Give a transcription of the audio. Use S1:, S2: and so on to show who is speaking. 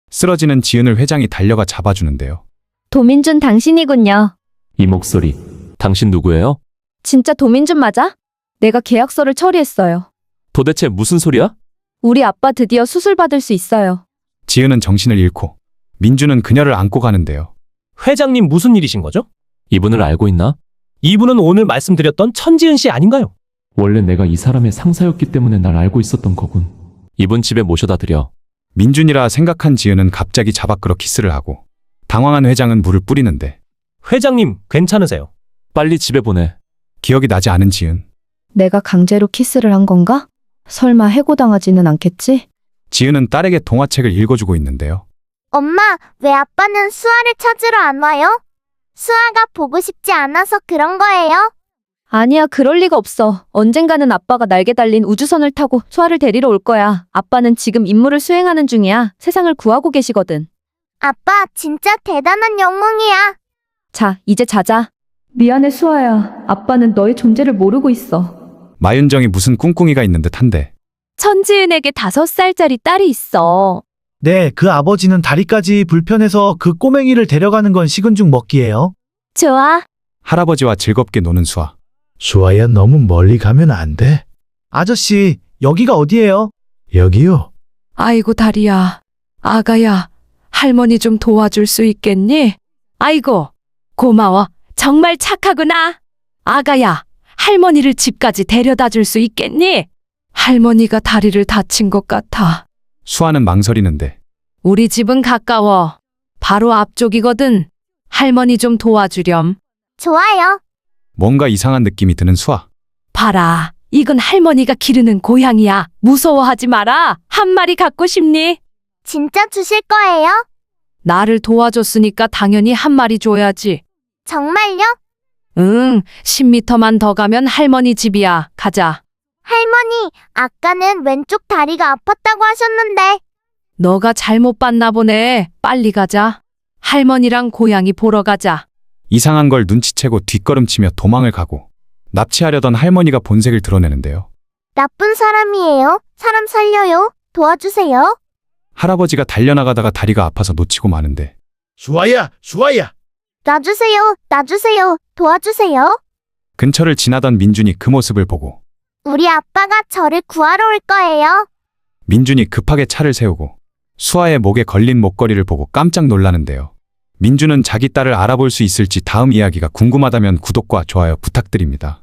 S1: 쓰러지는 지은을 회장이 달려가 잡아주는데요.
S2: 도민준 당신이군요.
S3: 이 목소리, 당신 누구예요?
S2: 진짜 도민준 맞아? 내가 계약서를 처리했어요.
S3: 도대체 무슨 소리야?
S2: 우리 아빠 드디어 수술 받을 수 있어요.
S1: 지은은 정신을 잃고 민주는 그녀를 안고 가는데요.
S4: 회장님 무슨 일이신 거죠?
S3: 이분을 알고 있나?
S4: 이분은 오늘 말씀드렸던 천지은 씨 아닌가요?
S3: 원래 내가 이 사람의 상사였기 때문에 날 알고 있었던 거군. 이분 집에 모셔다 드려.
S1: 민준이라 생각한 지은은 갑자기 자박으로 키스를 하고 당황한 회장은 물을 뿌리는데
S4: 회장님 괜찮으세요?
S3: 빨리 집에 보내.
S1: 기억이 나지 않은 지은.
S2: 내가 강제로 키스를 한 건가? 설마 해고당하지는 않겠지?
S1: 지은은 딸에게 동화책을 읽어주고 있는데요.
S5: 엄마, 왜 아빠는 수아를 찾으러 안 와요? 수아가 보고 싶지 않아서 그런 거예요?
S2: 아니야, 그럴 리가 없어. 언젠가는 아빠가 날개 달린 우주선을 타고 수아를 데리러 올 거야. 아빠는 지금 임무를 수행하는 중이야. 세상을 구하고 계시거든.
S5: 아빠, 진짜 대단한 영웅이야.
S2: 자, 이제 자자. 미안해, 수아야. 아빠는 너의 존재를 모르고 있어.
S1: 마윤정이 무슨 꿍꿍이가 있는 듯한데
S2: 천지은에게 5살짜리 딸이 있어.
S6: 네, 그 아버지는 다리까지 불편해서 그 꼬맹이를 데려가는 건 식은 죽 먹기예요.
S2: 좋아.
S1: 할아버지와 즐겁게 노는 수아.
S6: 수아야, 너무 멀리 가면 안 돼. 아저씨, 여기가 어디예요? 여기요.
S7: 아이고 다리야, 아가야, 할머니 좀 도와줄 수 있겠니? 아이고, 고마워. 정말 착하구나. 아가야, 할머니를 집까지 데려다 줄 수 있겠니? 할머니가 다리를 다친 것 같아.
S1: 수아는 망설이는데
S7: 우리 집은 가까워. 바로 앞쪽이거든. 할머니 좀 도와주렴.
S5: 좋아요.
S1: 뭔가 이상한 느낌이 드는 수아.
S7: 봐라, 이건 할머니가 기르는 고양이야. 무서워하지 마라. 한 마리 갖고 싶니?
S5: 진짜 주실 거예요?
S7: 나를 도와줬으니까 당연히 한 마리 줘야지.
S5: 정말요?
S7: 응, 10m만 더 가면 할머니 집이야. 가자.
S5: 할머니, 아까는 왼쪽 다리가 아팠다고 하셨는데.
S7: 너가 잘못 봤나 보네. 빨리 가자. 할머니랑 고양이 보러 가자.
S1: 이상한 걸 눈치채고 뒷걸음치며 도망을 가고 납치하려던 할머니가 본색을 드러내는데요.
S5: 나쁜 사람이에요. 사람 살려요. 도와주세요.
S1: 할아버지가 달려나가다가 다리가 아파서 놓치고 마는데
S6: 수아야, 수아야.
S5: 놔주세요. 놔주세요. 도와주세요.
S1: 근처를 지나던 민준이 그 모습을 보고
S5: 우리 아빠가 저를 구하러 올 거예요.
S1: 민준이 급하게 차를 세우고 수아의 목에 걸린 목걸이를 보고 깜짝 놀라는데요. 민준은 자기 딸을 알아볼 수 있을지 다음 이야기가 궁금하다면 구독과 좋아요 부탁드립니다.